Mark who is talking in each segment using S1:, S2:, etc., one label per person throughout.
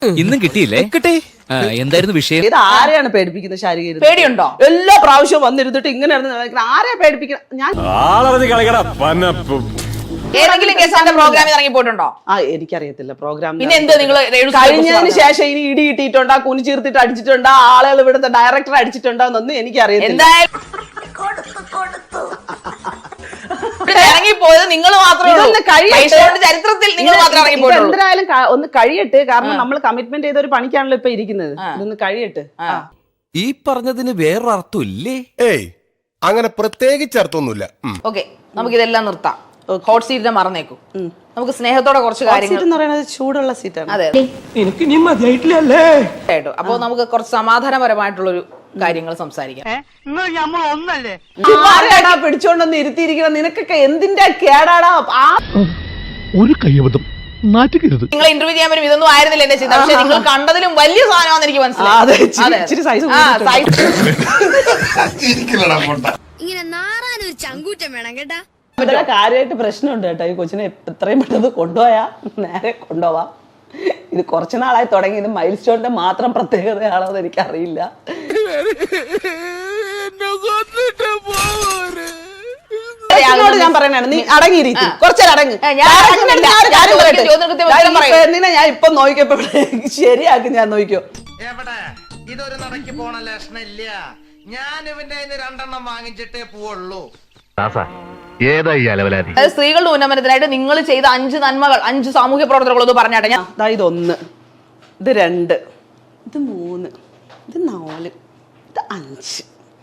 S1: ഇന്നും കിട്ടിയില്ലേ? കിട്ടി. എന്തായിരുന്നു വിഷയം?
S2: ഇത് ആരെയാണ് പേടിപ്പിക്കുന്നത്? ശാരീരിക
S3: പേടിയുണ്ടോ?
S2: എല്ലാ പ്രാവശ്യവും വന്നിരുന്നിട്ട് ഇങ്ങനെ ആരെയാ പേടിപ്പിക്കണം? ഞാൻ
S3: ഏതെങ്കിലും കേസാന്റെ പ്രോഗ്രാമിൽ ഇറങ്ങി പോയിട്ടുണ്ടോ?
S2: എനിക്കറിയത്തില്ല പ്രോഗ്രാം.
S3: പിന്നെ എന്താ നിങ്ങൾ
S2: കഴിഞ്ഞതിന് ശേഷം ഇനി ഇടി കിട്ടിയിട്ടുണ്ടോ, കുനി ചീർത്തിട്ട് അടിച്ചിട്ടുണ്ടോ, ആളുകൾ ഇവിടുത്തെ ഡയറക്ടർ അടിച്ചിട്ടുണ്ടോ എന്നൊന്നും എനിക്കറിയത്തില്ല.
S3: ഇറങ്ങിപ്പോയത് നിങ്ങൾ മാത്രമേ ചരിത്രത്തിൽ നിങ്ങൾ മാത്രമേ ഇറങ്ങിപ്പോയുള്ളൂ.
S2: എന്തായാലും ഒന്ന് കഴിയട്ടെ, കാരണം നമ്മൾ കമ്മിറ്റ്മെന്റ് ചെയ്ത ഒരു പണിക്കാണല്ലോ ഇപ്പൊ ഇരിക്കുന്നത്. ഇതൊന്ന് കഴിയട്ടെ.
S4: ഈ പറഞ്ഞതിന് വേറൊരർത്ഥം ഇല്ലേ?
S5: ഏയ്, അങ്ങനെ പ്രത്യേകിച്ച് അർത്ഥമൊന്നുമില്ല.
S3: ഓക്കെ, നമുക്ക് ഇതെല്ലാം നിർത്താം. ഹോട്ട് സീറ്റിനെ മറന്നേക്കും. നമുക്ക് സ്നേഹത്തോടെ കുറച്ച് കാര്യങ്ങൾ
S2: എന്ന് പറയുന്നത് ചൂടുള്ള സീറ്റാണ്.
S3: അതെ, അപ്പൊ നമുക്ക് കുറച്ച് സമാധാനപരമായിട്ടുള്ളൊരു കാര്യങ്ങൾ സംസാരിക്കാം.
S2: പിടിച്ചോണ്ടൊന്ന് ഇരുത്തിയിരിക്കണം. നിനക്കൊക്കെ എന്തിന്റെ കേടാടാ?
S6: ഒരു കയ്യബദ്ധം നാറ്റുകരുത്.
S3: നിങ്ങൾ ഇന്റർവ്യൂ ചെയ്യാൻ വരും ഇതൊന്നും ആയിരുന്നില്ല എന്റെ ചിന്ത. പക്ഷെ നിങ്ങൾ കണ്ടതിലും വലിയ സാധനമാണെന്ന് എനിക്ക് മനസ്സിലായി.
S7: ഇങ്ങനെ നാറാനൊരു ചങ്കൂറ്റം വേണം കേട്ടാ.
S2: കാര്യമായിട്ട് പ്രശ്നമുണ്ട് കേട്ടോ. ഈ കൊച്ചിനെ എത്രയും പെട്ടെന്ന് കൊണ്ടുപോയാ നേരെ കൊണ്ടുപോവാം. ഇത് കുറച്ചു നാളായി തുടങ്ങി. ഇത് മൈൽ സ്റ്റോണിന്റെ മാത്രം പ്രത്യേകതയാണോ എന്ന് എനിക്കറിയില്ല. ഞാൻ പറയണാണ്, നീ അടങ്ങിയിരിക്കും, കുറച്ചേരം അടങ്ങ്. പെണ്ണിനെ ഞാൻ ഇപ്പൊ നോക്കിയപ്പോ ശരിയാക്കും. ഞാൻ നോക്കിയോ,
S8: എവിടെ ഇതൊരു നടക്ക് പോണ ലക്ഷണില്ല. ഞാൻ ഇവന്റെ രണ്ടെണ്ണം വാങ്ങിച്ചിട്ടേ പോവുള്ളൂ.
S3: സ്ത്രീകളുടെ ഉന്നമനത്തിനായിട്ട് നിങ്ങൾ ചെയ്ത 5 നന്മകൾ, 5 സാമൂഹ്യ പ്രവർത്തനങ്ങളൊന്നും പറഞ്ഞാട്ടെ. ഞാൻ
S2: ഇത് 1, ഇത് 2, ഇത് 3, ഇത് 4, ഇത് 5.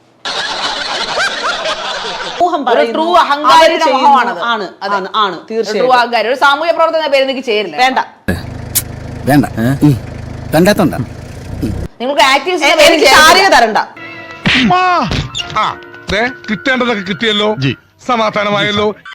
S3: ട്രൂ അഹങ്കാരിയുടെ മുഖമാണത്.
S2: തീർച്ചയായും
S3: ഒരു സാമൂഹ്യ പ്രവർത്തന പേര് എനിക്ക് ചേരില്ല.
S2: വേണ്ട
S4: കണ്ടാത്തോണ്ട
S3: നിങ്ങൾക്ക്
S2: എനിക്ക് ശാരീരിക തരണ്ട.
S5: കിട്ടേണ്ടതൊക്കെ കിട്ടിയല്ലോ, സമാധാനമായല്ലോ.